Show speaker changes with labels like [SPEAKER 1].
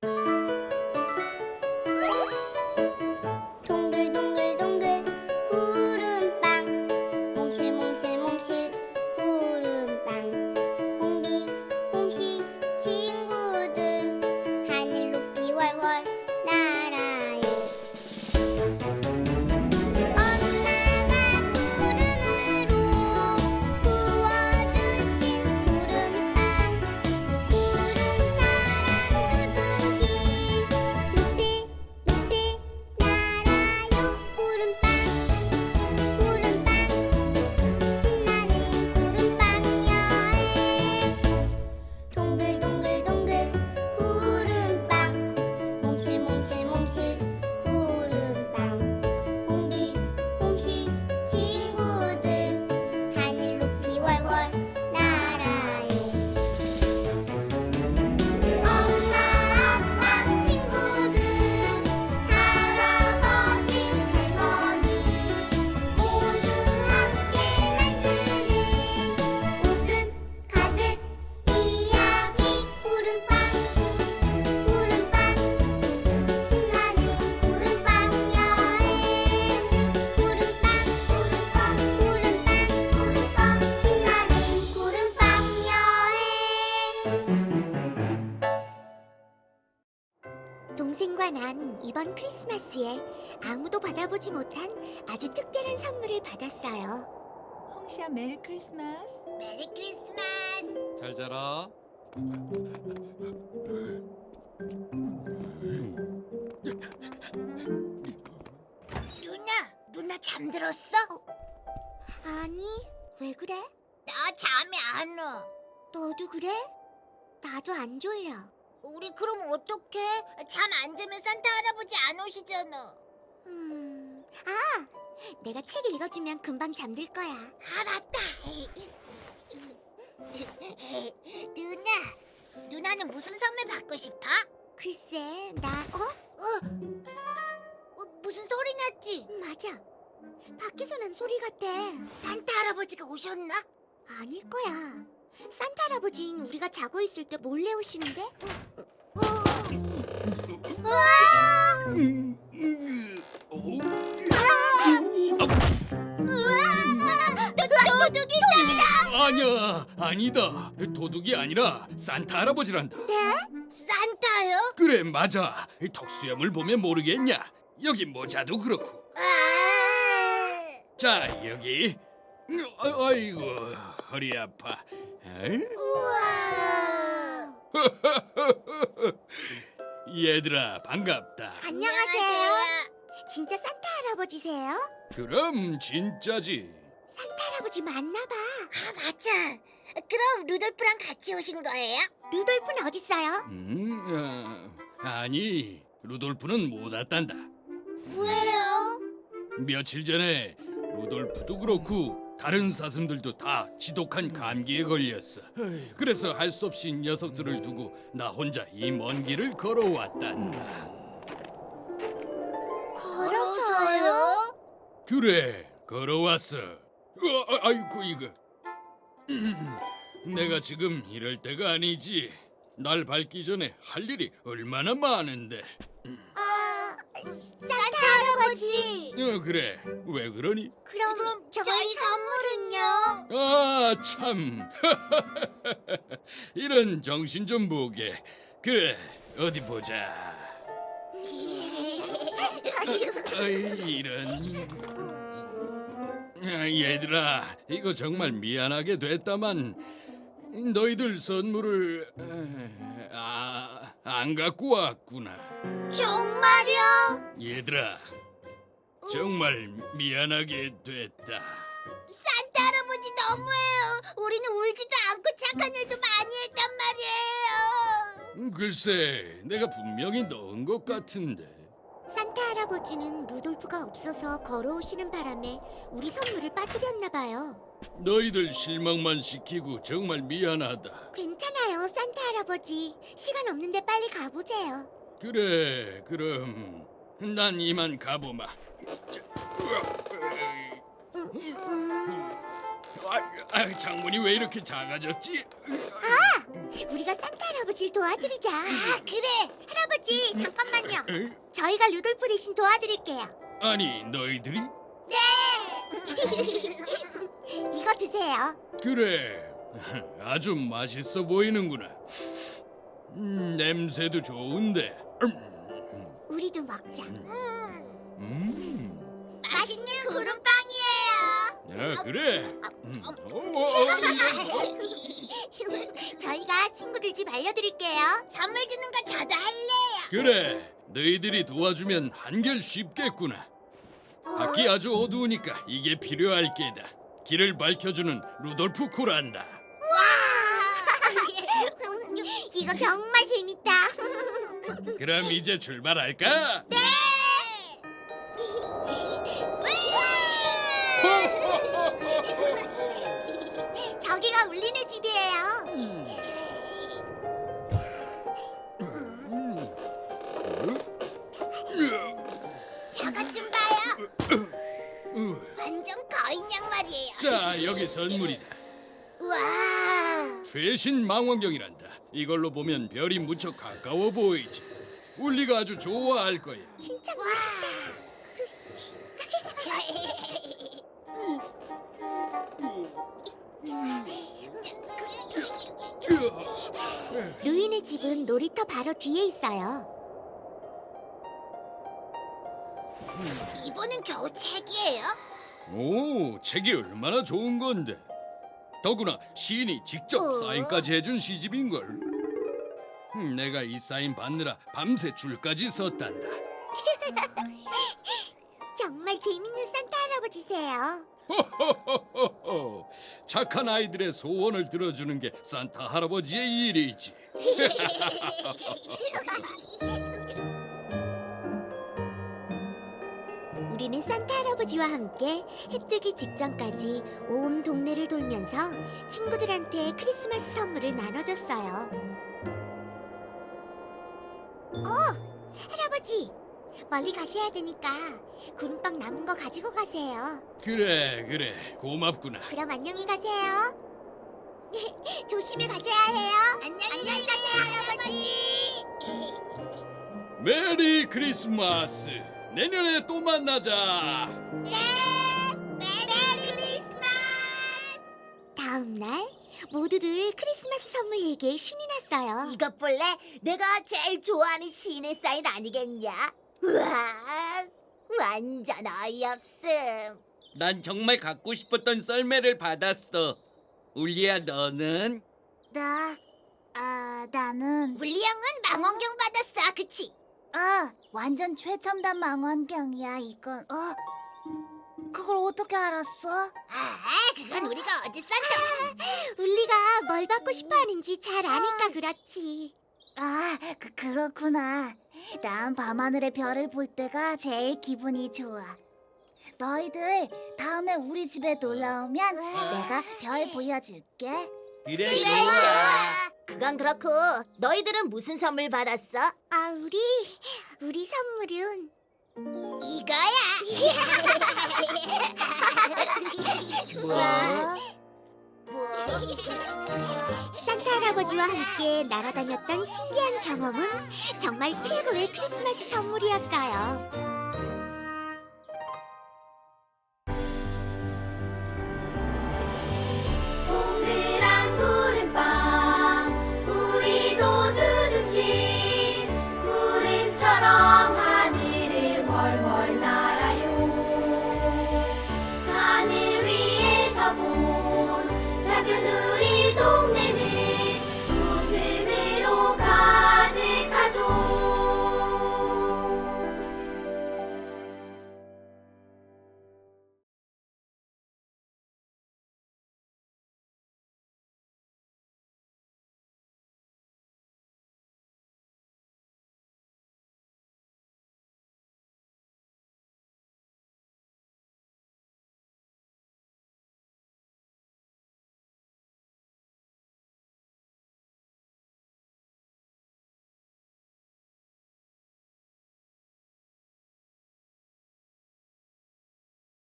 [SPEAKER 1] 동글동글동글 구름빵 몽실몽실몽실 구름빵 홍비 홍시 친구들 하늘 높이 월월 날아요. 엄마가 구름으로 구워주신 구름빵 구름처럼 두둥실 높이 높이 날아요. 구름빵 구름빵 신나는 구름빵 여행 동글동글동글 구름빵 몽실몽실몽실 구름빵 홍비 홍시 친구들 하늘 높이 월월 날아요. 엄마 아빠 친구들 할아버지 할머니 모두 함께 만드는 웃음 가득 이야기 구름빵 구름빵 신나는 구름빵 여행 구름빵 구름빵 구름빵 구름빵 신나는 구름빵 여행. 동생과 난 이번 크리스마스에 아무도 받아보지 못한 아주 특별한 선물을 받았어요.
[SPEAKER 2] 홍시야, 메리 크리스마스.
[SPEAKER 1] 메리 크리스마스.
[SPEAKER 3] 잘 자라.
[SPEAKER 1] 누나 잠들었어? 아니, 왜 그래? 나 잠이 안 와. 너도 그래? 나도 안 졸려. 우리 그럼 어떡해? 잠 안 자면 산타 할아버지 안 오시잖아. 내가 책 읽어주면 금방 잠들 거야. 아, 맞다. 누나는 무슨 선물 받고 싶어? 글쎄, 무슨 소리 났지? 맞아. 밖에서 난 소리 같아. 산타 할아버지가 오셨나? 아닐 거야. 산타 할아버지는 우리가 자고 있을 때 몰래 오시는데? 도둑이다!
[SPEAKER 3] 아니야, 아니다. 도둑이 아니라 산타 할아버지란다.
[SPEAKER 1] 네? 산타요?
[SPEAKER 3] 그래, 맞아. 턱수염을 보면 모르겠냐? 여기 모자도 그렇고. 자, 여기. 아이고, 허리 아파. 에이?
[SPEAKER 1] 우와!
[SPEAKER 3] 얘들아, 반갑다.
[SPEAKER 1] 안녕하세요. 진짜 산타 할아버지세요?
[SPEAKER 3] 그럼 진짜지.
[SPEAKER 1] 산타 할아버지 맞나 봐. 아, 맞아. 그럼 루돌프랑 같이 오신 거예요? 루돌프는 어딨어요?
[SPEAKER 3] 아니, 루돌프는 못 왔단다.
[SPEAKER 1] 왜요?
[SPEAKER 3] 며칠 전에 루돌프도 그렇고 다른 사슴들도 다 지독한 감기에 걸렸어. 그래서 할 수 없이 녀석들을 두고 나 혼자 이 먼 길을 걸어왔단다.
[SPEAKER 1] 걸어서요?
[SPEAKER 3] 그래, 걸어왔어. 아이고 이거. 내가 지금 이럴 때가 아니지. 날 밟기 전에 할 일이 얼마나 많은데.
[SPEAKER 1] 산타 할아버지.
[SPEAKER 3] 그래, 왜 그러니?
[SPEAKER 1] 그럼 저희 선물은요?
[SPEAKER 3] 아, 참. 이런 정신 좀 보게. 그래, 어디 보자. 어이, 이런. 얘들아, 이거 정말 미안하게 됐다만 너희들 선물을 안 갖고 왔구나.
[SPEAKER 1] 정말요?
[SPEAKER 3] 얘들아, 정말 미안하게 됐다.
[SPEAKER 1] 산타 할아버지 너무해요. 우리는 울지도 않고 착한 일도 많이 했단 말이에요.
[SPEAKER 3] 글쎄, 내가 분명히 넣은 것 같은데.
[SPEAKER 1] 산타 할아버지는 루돌프가 없어서 걸어오시는 바람에 우리 선물을 빠뜨렸나 봐요.
[SPEAKER 3] 너희들 실망만 시키고 정말 미안하다.
[SPEAKER 1] 괜찮아요, 산타 할아버지. 시간 없는데 빨리 가보세요.
[SPEAKER 3] 그래, 그럼 난 이만 가보마. 창문이 왜 이렇게 작아졌지?
[SPEAKER 1] 우리가 산타 할아버지를 도와드리자. 그래. 할아버지, 잠깐만요.
[SPEAKER 3] 에이,
[SPEAKER 1] 저희가 루돌프 대신 도와드릴게요.
[SPEAKER 3] 아니 너희들이?
[SPEAKER 1] 네. 이거 드세요.
[SPEAKER 3] 그래, 아주 맛있어 보이는구나. 냄새도 좋은데.
[SPEAKER 1] 우리도 먹자.
[SPEAKER 3] 음,
[SPEAKER 1] 맛있는 구름빵이에요.
[SPEAKER 3] 그래.
[SPEAKER 1] 저희가 친구들 집 알려드릴게요. 선물 주는 거 저도 할래요.
[SPEAKER 3] 그래, 너희들이 도와주면 한결 쉽겠구나. 밖이 아주 어두우니까 이게 필요할 게다. 길을 밝혀주는 루돌프 코란다.
[SPEAKER 1] 와! 이거 정말 재밌다.
[SPEAKER 3] 그럼 이제 출발할까?
[SPEAKER 1] 네! 저기가 울리네 집이에요. 저것 좀 봐요. 완전 거인 양말이에요.
[SPEAKER 3] 자, 여기 선물이다.
[SPEAKER 1] 와!
[SPEAKER 3] 최신 망원경이란다. 이걸로 보면 별이 무척 가까워 보이지. 울리가 아주 좋아할 거야.
[SPEAKER 1] 진짜 멋있다. 루인의 집은 놀이터 바로 뒤에 있어요. 이번엔 겨우 책이에요?
[SPEAKER 3] 오, 책이 얼마나 좋은 건데. 더구나 시인이 직접 사인까지 해준 시집인걸. 내가 이 사인 받느라 밤새 줄까지 썼단다.
[SPEAKER 1] 정말 재밌는 산타 할아버지세요.
[SPEAKER 3] 호호호호호. 착한 아이들의 소원을 들어주는 게 산타 할아버지의 일이지.
[SPEAKER 1] 우리는 산타 할아버지와 함께 해 뜨기 직전까지 온 동네를 돌면서 친구들한테 크리스마스 선물을 나눠줬어요. 할아버지! 멀리 가셔야 되니까 구름빵 남은 거 가지고 가세요.
[SPEAKER 3] 그래, 고맙구나.
[SPEAKER 1] 그럼 안녕히 가세요. 조심히 가셔야 해요. 안녕히 가세요, 할아버지.
[SPEAKER 3] 메리 크리스마스. 내년에 또 만나자.
[SPEAKER 1] 네, 메리 크리스마스. 다음 날 모두들 크리스마스 선물 얘기에 신이 났어요.
[SPEAKER 4] 이것 볼래? 내가 제일 좋아하는 시인의 사인 아니겠냐? 우와, 완전 어이없음.
[SPEAKER 5] 난 정말 갖고 싶었던 썰매를 받았어. 울리야, 너는?
[SPEAKER 4] 나는
[SPEAKER 1] 물리 형은 망원경 받았어, 그치?
[SPEAKER 4] 완전 최첨단 망원경이야 이건. 그걸 어떻게 알았어?
[SPEAKER 1] 그건 우리가 어제 쌌죠. 울리가 뭘 받고 싶어 하는지 잘 아니까 그렇지.
[SPEAKER 4] 그렇구나. 난 밤하늘의 별을 볼 때가 제일 기분이 좋아. 너희들 다음에 우리 집에 놀러 오면 내가 별 보여줄게.
[SPEAKER 5] 그래,
[SPEAKER 4] 좋아. 그건 그렇고 너희들은 무슨 선물 받았어?
[SPEAKER 1] 우리 선물은
[SPEAKER 4] 이거야.
[SPEAKER 1] 산타 할아버지와 함께 날아다녔던 신기한 경험은 정말 최고의 크리스마스 선물이었어요.